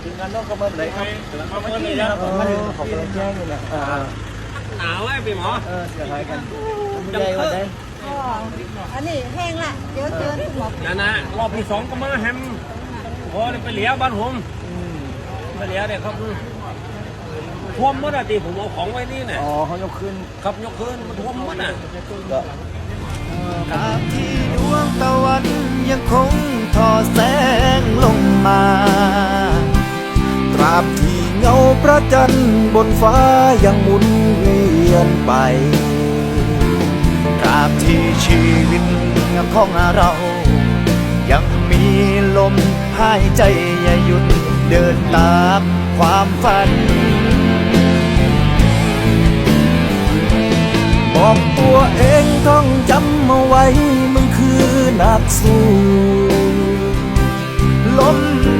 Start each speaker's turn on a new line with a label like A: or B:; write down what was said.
A: ถึงงานนอกก็เมื่อไหร่ครับมาเมื่อนี้นะครับมันของกำลังแจ้งอยู่นะ
B: หนาวไอ้พี่หมอ
A: เสียหายกันใหญ่กว่าได้
C: อันนี้แห้งละเดี๋ยวเจอคุณหมอ
B: นะรอบที่2ก็มาแฮมพอไปเหลียวบ้านผมไปเหลียวเนี่ยครับท่วมหมดอ่ะตีผมเอาของไว้นี่เนี่ย
A: อ๋อเขายกขึ้น
B: ครับยกขึ้นมันท่วมหมดอ่ะ
D: ตราบที่ดวงตะวันยังคงทอแสงลงมาตราบที่เงาพระจันทร์บนฟ้ายังหมุนเวียนไปตราบที่ชีวิตของเรายังมีลมหายใจอย่าหยุดเดินตามความฝันบอกตัวเองต้องจำเอาไว้มึงคือนักสู้ลม